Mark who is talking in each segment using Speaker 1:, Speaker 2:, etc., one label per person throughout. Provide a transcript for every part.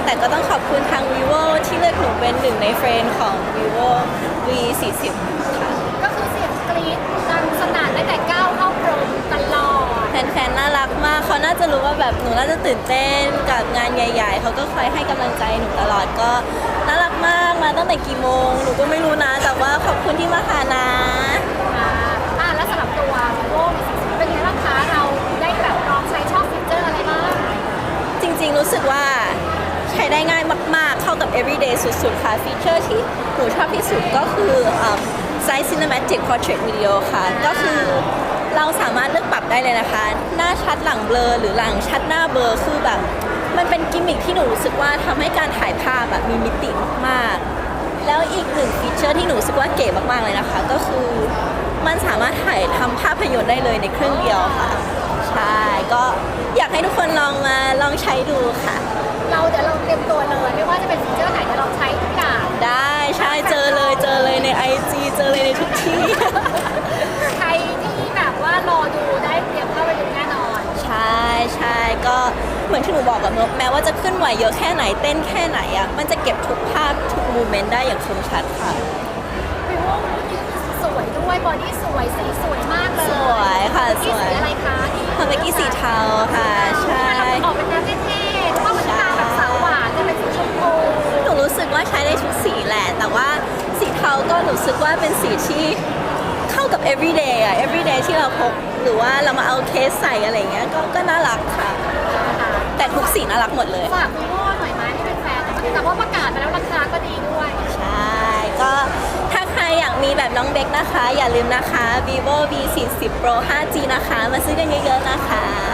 Speaker 1: แต่ก็ต้องขอบคุณทาง vivo ที่เลือกหนูเป็นหนึ่งในเฟรนด์ของ vivo V40 ค่ะ
Speaker 2: ก็คือเสียงกรี๊ดดังสนั่นตั้งแต่ก้าวเข้าโปรตลอด
Speaker 1: แฟนๆ น่ารักมาก เขาน่าจะรู้ว่าแบบหนูน่าจะตื่นเต้นกับงานใหญ่ๆ เขาก็คอยให้กำลังใจหนูตลอดก็น่ารักมาก มาตั้งแต่กี่โมง หนูก็ไม่รู้นะ แต่ว่าขอบคุณที่มาหานะ
Speaker 2: แล้วสำหรับตัว vivo เป็นไงบ้างคะเราได้แบบลองใช้ชอบฟีเจอร์อะไรบ้าง
Speaker 1: จริงๆ รู้สึกว่าใช้ได้ง่ายมากๆ เข้ากับ everyday สุดๆ ค่ะ ฟีเจอร์ที่หนูชอบที่สุดก็คือ Size Cinematic Portrait Video ค่ะ ก็คือเราสามารถเลือกปรับได้เลยนะคะ หน้าชัดหลังเบลอหรือหลังชัดหน้าเบลอคือแบบ มันเป็นกิมมิคที่หนูรู้สึกว่าทำให้การถ่ายภาพแบบมีมิติมากๆ แล้วอีกหนึ่งฟีเจอร์ที่หนูรู้สึกว่าเก๋มากๆเลยนะคะ ก็คือมันสามารถถ่ายทำภาพยนตร์ได้เลยในเครื่องเดียวค่ะ ใช่ ก็อยากให้ทุกคนลองใช้ดูค่ะ
Speaker 2: เดี๋ยวเราเตรียมตัวเลยไม่ว่าจะเป็นฟีเจอร์ไหนเดี๋ยวเราใช้ทุกอย่าง
Speaker 1: ได้ใช่เจอเลยใน IG เจอเลยในทุกที่
Speaker 2: ใครที่แบบว่ารอดูได้เตรียมเข้าไปดูแน่นอน
Speaker 1: ใช่ก็เหมือนที่หนูบอกกับนกแม้ว่าจะขึ้นไหวเยอะแค่ไหนเต้นแค่ไหนอะมันจะเก็บทุกภาพทุกโมเมนต์ได้อย่างคมชัดค่ะ
Speaker 2: วิวสวยด้วยบอดี้สวยสีสวยมากเลย
Speaker 1: สวยค่ะส
Speaker 2: ที่
Speaker 1: วย
Speaker 2: สีอะไรคะ
Speaker 1: ทำเมื่อกี้สีเทาค่ะใช่
Speaker 2: ออกเป็นแนวเท่ๆเพราะว่ามันจะมาแบบสาวหวานจะเป็นสีชมพู
Speaker 1: หนูรู้สึกว่าใช้ได้ทุกสีแหละ แต่ว่าสีเทาก็รู้สึกว่าเป็นสีที่เข้ากับ everyday อะ everyday ที่เราพกหรือว่าเรามาเอาเคสใส่อะไรเงี้ยก็น่ารักค่ะ แต่ทุกสีน่ารักหมดเลย
Speaker 2: ฝากวิวหน่อยไหมที่เป็นแฟนแต่ว่าประกาศมาแล้วราคาก็ดีด้วย
Speaker 1: ใช่ก็ถ้าใครอยากมีแบบน้องเบคนะคะ อย่าลืมนะคะ vivo V40 Pro 5G นะคะ มาซื้อกันเยอะๆนะคะ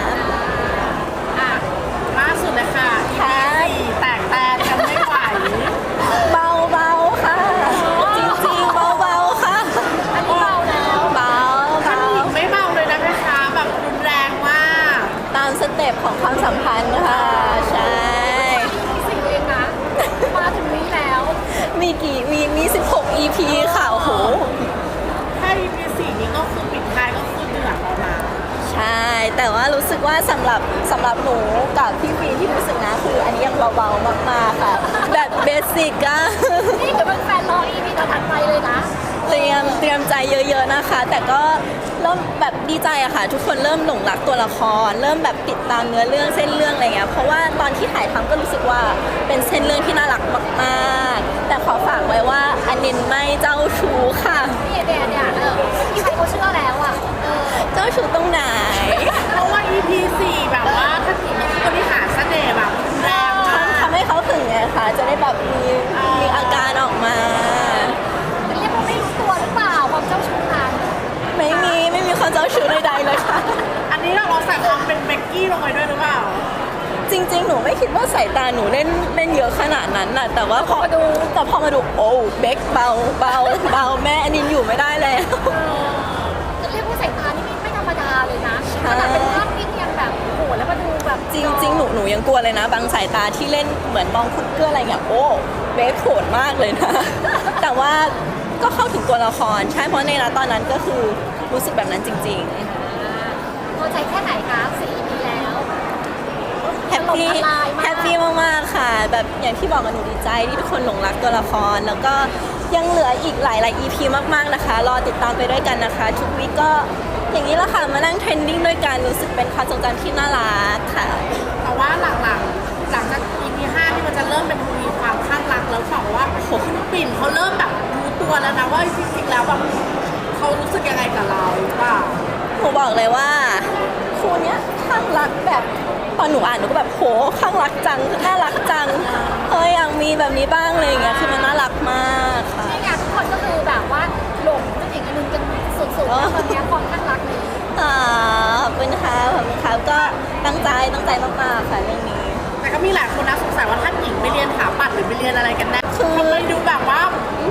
Speaker 3: ล่าสุดเลยค่ะ
Speaker 1: ค่ะ
Speaker 3: EP 4แตกแตนกันไม่ไหว
Speaker 1: เบาๆค่ะ จริงๆเบาๆค่ะ
Speaker 2: อันนี้เบาแล้ว
Speaker 1: เบา
Speaker 3: ท่านหญิงไม่เบาเลยนะคะแบบรุนแรงมาก
Speaker 1: ตามสเต็ปของความสัมพันธ์ค่ะ ใช่
Speaker 2: สิ่งเองนะมาถึงนี้แล้ว
Speaker 1: มี16 EP ค่ะโอ้โห
Speaker 3: ถ้า EP 4นี้ก็คือปิดท้ายก็คือเดือดแล้วนะ
Speaker 1: ใช่ แต่ว่ารู้สึกว่าสำหรับหนูกับพี่ฟีที่รู้สึกนะคืออันนี้ยังเบาๆมากๆค่ะ แบบเบสิกอะ
Speaker 2: นี่เดี๋ยวเป็นแฟนรออีพีต่อถัดไปเลยนะ
Speaker 1: เตรียมใจเยอะๆนะคะ แต่ก็เริ่มแบบดีใจอะค่ะ ทุกคนเริ่มหลงรักตัวละคร เริ่มแบบติดตามเนื้อเรื่องเส้นเรื่องอะไรเงี้ยเพราะว่าตอนที่ถ่ายทำก็รู้สึกว่าเป็นเส้นเรื่องที่น่ารักมากๆ แต่ขอฝากไว้ว่าอันนินไม่เจ้าชู้ค่ะ
Speaker 2: นี่เนี่ยพี่เขาเชื่อแล้วอ่ะ
Speaker 1: เจ้าชู้ตรงไหน
Speaker 3: เพราะว่า EP 4แบบว่าท่านหญิงก็คือบริหารเสน่ห์แบบรุนแรงมาก
Speaker 1: ทำให้เขาถึงไงคะจะได้แบบมีอาการออกมา
Speaker 2: เรียกว่าไม่รู้ตัวหรือเปล่าความเจ้าชู้นั้น
Speaker 1: ไม่มีคนเจ้าชู้ใดๆเลยค่ะ
Speaker 3: อันนี้เราใส่ความเป็นเบกกี้ลงไปด้วยหรือเปล่า
Speaker 1: จริงๆ หนูไม่คิดว่าสายตาหนูเล่นเยอะขนาดนั้นน่ะ แต่ว่าพอมาดูโอ้เบคเบาแม่อันนินอยู่ไม่ได้แล้ว
Speaker 2: เรียกว่าสายตานี่ไม่ธรรมดาเลยนะขนาดเป็นภาพนิ่งยังแบบโหแล้วมาดูแบบ
Speaker 1: จริงๆ หนูยังกลัวเลยนะ บางสายตาที่เล่นเหมือนมองคุณเกื้ออะไรเงี้ยโอ้เบคโหดมากเลยนะ แต่ว่าก็เข้าถึงตัวละครใช่เพราะในตอนนั้นก็คือรู้สึกแบบนั้นจริงๆ
Speaker 2: พอใจแค่ไหนคะ4 EP แล้ว
Speaker 1: แฮปปี้
Speaker 2: ถล่มทลายมาก
Speaker 1: แฮปปี้มากๆค่ะ แบบอย่างที่บอกกันหนูดีใจที่ทุกคนหลงรักตัวละคร แล้วก็ยังเหลืออีกหลาย EP มากๆนะคะ รอติดตามไปด้วยกันนะคะ ทุกวีคก็อย่างนี้แหละค่ะ มานั่งเทรนดิ้งด้วยกันรู้สึกเป็นความทรงจำที่น่ารักค่ะ
Speaker 3: แต่ว่าหลังจาก EP 5ที่มันจะเริ่มเป็นทวีความข้างรักแล้วบอกว่าคุณปิ่นเขาเริ่มแบบรู้ตัวแล้วนะว่าจริงๆแล้วแบบเขารู้สึกยังไงกับเราหรือเปล่า
Speaker 1: หนูบอกเลยว่าคู่เนี้ยข้างรักแบบตอนหนูอ่านหนูก็แบบโหข้างรักจังน่ารักจังเฮ้ยอยากมีแบบนี้บ้างเลยอย่างเงี้ยคือมันน่ารักมากค่ะ
Speaker 2: นี่ไงทุกคนก็คือแบบว่าหลงเป็นอีกอันนึงกันสุดๆแล้วคนนี้ความข้างรักนี้
Speaker 1: ขอบคุณค่ะขอบคุณค่ะก็ตั้งใจมากๆค่ะเรื่องนี้
Speaker 3: แต่ก็มีหลายคนนะสงสัยว่าท่านหญิงไปเรียนถาปัดหรือไปเรียนอะไรกันแน่ทำไมดูแบบว่า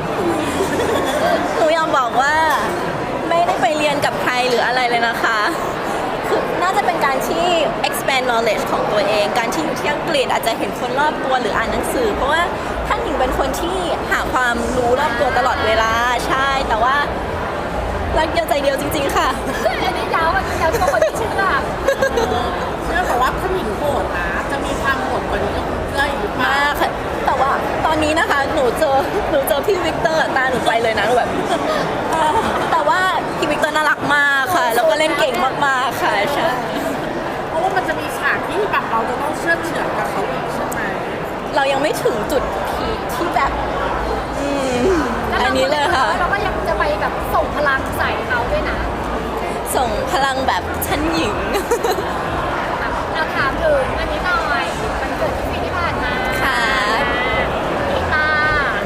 Speaker 1: หนูยอมบอกว่าไม่ได้ไปเรียนกับใครหรืออะไรเลยนะคะคือน่าจะเป็นการที่ expand knowledge ของตัวเอง การที่อยู่ที่อังกฤษอาจจะเห็นคนรอบตัวหรืออ่านหนังสือ เพราะว่าท่านหญิงเป็นคนที่หาความรู้รอบตัวตลอดเวลาใช่ แต่ว่ารักเดียวใจเดียวจริงๆค่ะ
Speaker 2: อันนี้ยาวทุกคนที่เชื่อ
Speaker 3: เชื่อแต่ว่าท่านหญิงโหดนะจะมีความโหดกว่านี้ก็อีกหรือเปล่าม
Speaker 1: ากเจอพี่วิกเตอร์ตาหนูไปเลยนะหนูแบบ แต่ว่าพี่วิกเตอร์น่ารักมากค่ะ แล้วก็เล่นเก่งมากๆค่ะใช่
Speaker 3: เพราะว่ามันจะมีฉากที่แบบเราจะต้องเชื่อดเฉือนกับเขาอีกใช่ไหม
Speaker 1: เรายังไม่ถึงจุดพีคที่แบบอันนี้เลยค่ะ
Speaker 2: เราก็ยังจะไปแบบส่งพลังใส่เขาด้วยนะ
Speaker 1: ส่งพลังแบบชั้นหญิง
Speaker 2: เราถามถึงอันนี้หน่อยมันเกิดที่ปีที่ผ่านมา
Speaker 1: ค่ะ
Speaker 2: กีตาร์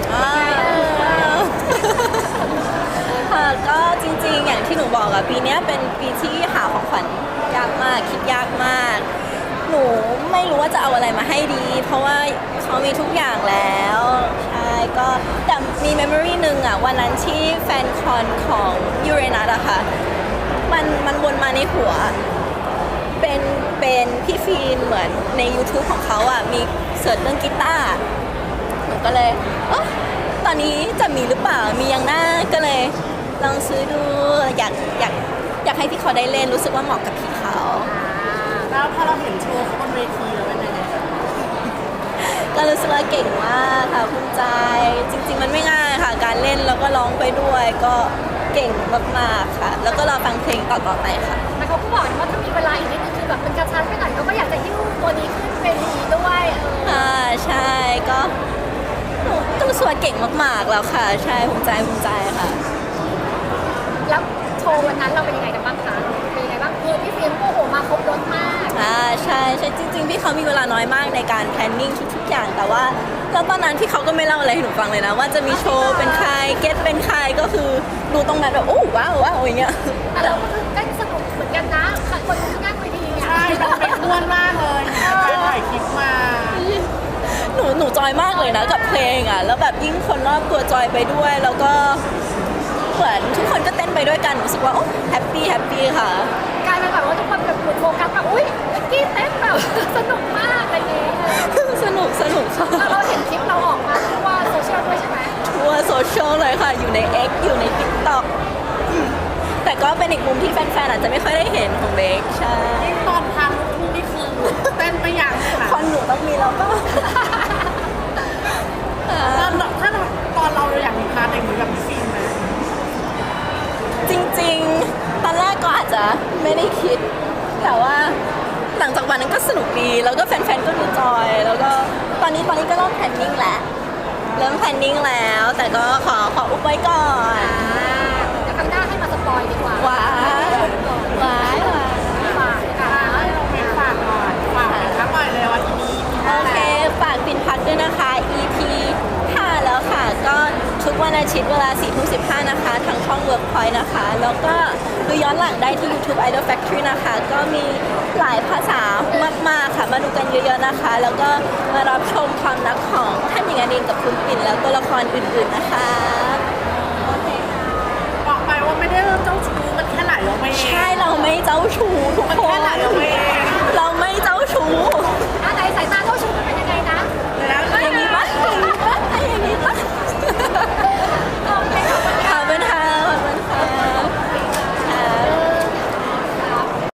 Speaker 1: ค่ะก็จริงๆ อย่างที่หนูบอกอะปีเนี้ยเป็นปีที่หาของขวัญยากมากคิดยากมาก หนูไม่รู้ว่าจะเอาอะไรมาให้ดี เพราะว่าเขามีทุกอย่างแล้วใช่ก็แต่มีเมมโมรีหนึ่งอะวันนั้นที่แฟนคอนของยูเรนัสอะค่ะมันวนมาในหัว เป็นพี่ฟีนเหมือนใน YouTube ของเขาอ่ะมีเสิร์ชเรื่องกีตาร์หนูก็เลยตอนนี้จะมีหรือเปล่ามียังหน้าก็เลยลองซื้อดูอยากให้พี่เขาได้เล่นรู้สึกว่าเหมาะกับพี่เขา
Speaker 3: แล้วพอเราเห็นโชว์เขาบนเวทีแล้วเป็นยังไง
Speaker 1: ก็รู้สึกว่าเก่งมากค่ะภูมิใจจริง ๆ มันไม่ง่ายค่ะ การเล่นแล้วก็ร้องไปด้วยก็เก่งมากๆค่ะ แล้วก็รอฟังเพลงต่อๆไปค่ะ
Speaker 2: แต่เขาก็บอกว่าถ้ามีเวลาอีกนิดนึงคือแบบมันกระชั้นไปหน่อยเขาก็อยากจะหิ้วตัวนี้ขึ้นเป็นดีด้วย
Speaker 1: ใช่ก็หนูก็รู้สึกว่าเก่งมากๆแล้วค่ะ ใช่ภูมิใจค่ะ
Speaker 2: แล้วโชว์วันนั้นเราเป็นยังไงกันบ้างคะเป็นยังไงบ้างคือพี่ฟิล์มโอ้โหมาครบรถมาก
Speaker 1: ใช่จริงๆพี่เขามีเวลาน้อยมากในการ planning ทุกๆอย่างแต่ว่าแล้วตอนนั้นพี่เขาก็ไม่เล่าอะไรให้หนูฟังเลยนะว่าจะมีโชว์เป็นใครเก็ตเป็นใครก็คือดูตรงนั้นแบบโอ้ว้าวอย่างเงี้ย
Speaker 2: แต่เราก็คือเต้นสนุกเหมือนกันนะคนที่นั่งเวทีเนี่ย
Speaker 3: ใช่มันเป็นม้วนมากเลยไปถ่ายคลิปมา
Speaker 1: หนูจอยมากเลยนะกับเพลงอ่ะแล้วแบบยิ่งคนรอบตัวจอยไปด้วย แล้วก็เหมือนทุกคนก็เต้นไปด้วยกันหนูรู้สึกว่าโอ้แฮปปี้ค่ะ
Speaker 2: กลายเป็นแบบว่าทุกคนแบบเหมือนโฟกัสแบบอุ้ยเมื่อกี้เต้นแบบสนุกมากอะไรอย่างเงี้ย
Speaker 1: สนุกค่ะ
Speaker 2: แล้วเราเห็นคลิปเราออกมาทั่วโซเชียลด้วยใช่ไหม
Speaker 1: ทั่วโซเชียลเลยค่ะอยู่ใน X อยู่ใน TikTok แต่ก็เป็นอีกมุมที่แฟนๆอาจจะไม่ค่อยได้เห็นของเบคใช่
Speaker 3: นี่ตอนทางลูกทุ่งนี่คือเต้นไปอย่างค่ะ
Speaker 1: คอนหนูต้องมีแล้วก็
Speaker 3: ถ้าตอนเราอยากมีพาร์ทอย่างนี้กับพี่ฟิล์มไหม
Speaker 1: จริงๆ ตอนแรกก็อาจจะไม่ได้คิด แต่ว่าหลังจากวันนั้นก็สนุกดี แล้วก็แฟนๆ ก็ดูจอย แล้วก็ตอนนี้ก็เริ่มแพลนนิ่งแล้ว แต่ก็ขออุบไว้ก่อน
Speaker 2: เดี๋ยวครั้งหน้าให้มาสปอยดีกว่า
Speaker 1: หวาน
Speaker 2: ฝากค่ะ
Speaker 3: เราเป็นฝากหน่อยฝากเป็นครั้งใหม่เลยวันนี้
Speaker 1: โอเค ฝากปินพักด้วยนะคะ EP 5 แล้วค่ะ ก็ทุกวันอาทิตย์เวลา 4:15 นะคะ ทางช่อง Workpoint นะคะ แล้วก็ดูย้อนหลังได้ที่ YouTube Idol Factory นะคะ ก็มีหลายภาษามากๆค่ะ มาดูกันเยอะๆนะคะ แล้วก็มารับชมความรักของท่านหญิงอนินกับคุณปิ่นแล้วตัวละครอื่นๆนะคะ
Speaker 3: บอกไปว่าไม่ได้เริ่มเจ้าชู้มันแค่ไหลออกมาเอง
Speaker 1: ใช่เราไม่เจ้าชู้ทุก
Speaker 3: มัน
Speaker 1: ค
Speaker 3: แค่
Speaker 1: น
Speaker 3: ไหลออกมาเอ